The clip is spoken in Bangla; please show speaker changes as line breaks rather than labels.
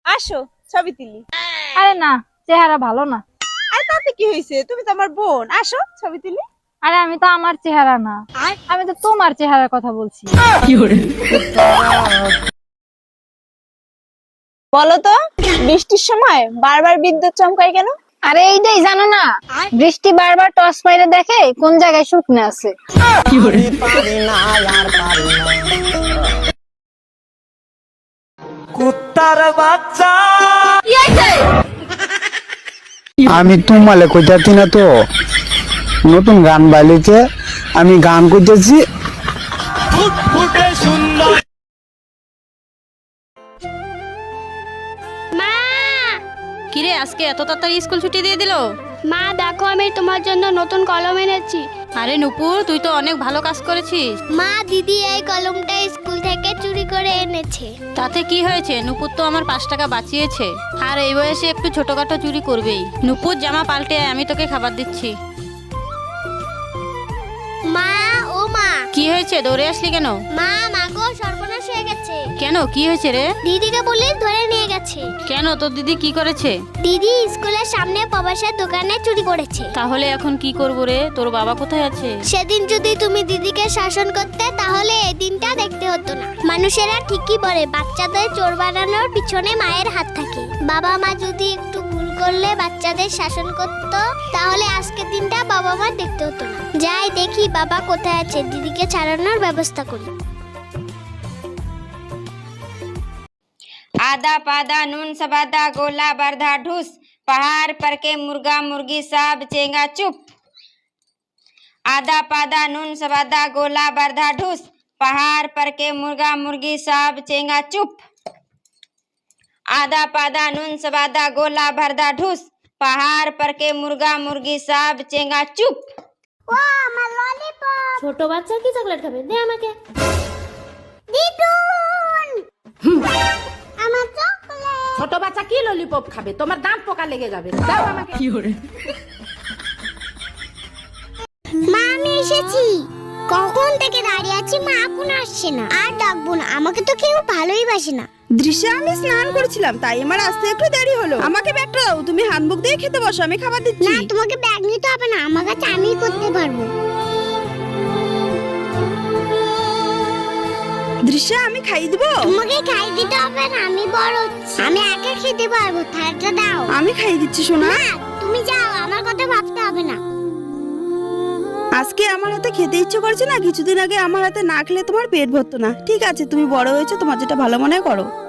আসো ছবি তুলি।
আরে না, চেহারা ভালো না।
আরে তাতে কি হয়েছে, তুমি তো আমার বোন, আসো ছবি তুলি।
আরে আমি তো আমার চেহারা না, আমি তো তোমার চেহারার কথা বলছি।
বলো তো, বৃষ্টির সময় বারবার বিদ্যুৎ চমকায় কেন?
আরে এইটাই জানো না, বৃষ্টি বারবার টস মাইরে দেখে কোন জায়গায় শুকনো আছে।
কুত্তার বাচ্চা।
আমি তোমালে কইতাছি না তো, নতুন গান বাইলেছে, আমি গান করতেছি।
ফুটফুটে সুন্দর।
মা,
কিরে আজকে এত তাড়াতাড়ি স্কুল ছুটি দিয়ে দিলো?
মা দেখো আমি তোমার জন্য নতুন কলম এনেছি।
আরে নুপুর, তুই তো অনেক ভালো কাজ করেছিস।
মা, দিদি এই কলমটা স্কুল থেকে চুরি করে এনেছে।
তাতে কি হয়েছে? নুপুর তো আমার 5 টাকা বাঁচিয়েছে। আর এই বয়সে একটু ছোটখাটো চুরি করবেই। নুপুর, জামা পাল্টে আয়, আমি তোকে খাবার দিচ্ছি।
মা, ও মা।
কি হয়েছে, দৌড়ে আসলি কেন?
মা, মাগো সর্বনাশ হয়ে গেছে।
কেন, কি হয়েছে রে?
দিদিকে পুলিশ ধরে নিয়ে গেছে।
কেন, তোর দিদি কি করেছে?
দিদি স্কুলের সামনে প্রবাসের দোকানে চুরি করেছে।
তাহলে এখন কি করবো রে? তোর বাবা কোথায় আছে?
সেদিন যদি তুমি দিদিকে শাসন করতে তাহলে এই দিনটা দেখতে হতো না। মানুষেরা ঠিকই বলে বাচ্চাদের চোর বানানোর পিছনে মায়ের হাত থাকে। বাবা মা যদি একটু ভুল করলে বাচ্চাদের শাসন করত, তাহলে আজকের দিনটা বাবা মা দেখতে হতো না। যাই দেখি বাবা কোথায় আছে, দিদিকে ছাড়ানোর ব্যবস্থা করি।
आधा पादा नून सबादा गोला बरधा ढूस पहाड़ पर के मुर्गा मुर्गी सब चेंगा चुप। आधा पादा नून सबादा गोला बरधा ढूस पहाड़ पर के मुर्गा मुर्गी सब चेंगा चुप। आधा पादा नून सबादा गोला बरधा ढूस पहाड़ पर के मुर्गा मुर्गी सब चेंगा चुप।
ও আমার ললিপপ।
ছোট বাচ্চা কি চকলেট খাবে? দে আমাকে।
দিদুন, আমার চকলেট।
ছোট বাচ্চা কি ললিপপ খাবে? তোমার দাঁত পোকা লেগে যাবে। দাও আমাকে।
মা, আমি এসেছি। কখন থেকে দাঁড়িয়ে আছি, মা এখন আসছে না। আর ডাকবো না, আমাকে তো কেউ ভালোই বাসে না।
দৃশ্যে আমি স্নান করেছিলাম, তাই আমার আসতে একটু দেরি হলো। আমাকে ব্যাগটা দাও, তুমি হ্যান্ডবুক দিয়ে খেতে বসো, আমি খাবার দিচ্ছি।
না, তোমাকে ব্যাগ নিতে হবে না, আমার কাছে আমি করতে পারবো।
দৃশ্যে আমি খাইয়ে দিব।
তোমাকে খাই দিতে হবে না, আমি বড় হচ্ছি, আমি একা খেতে পারবো। থালাটা দাও।
আমি খাইয়ে দিচ্ছি সোনা।
না, তুমি যাও, আমার কথা ভাবতে হবে না।
আজকে আমার হাতে খেতে ইচ্ছে করছে না, কিছুদিন আগে আমার হাতে না খেলে তোমার পেট ভরতো না। ঠিক আছে, তুমি বড় হয়েছে, তোমার যেটা ভালো মনে হয় করো।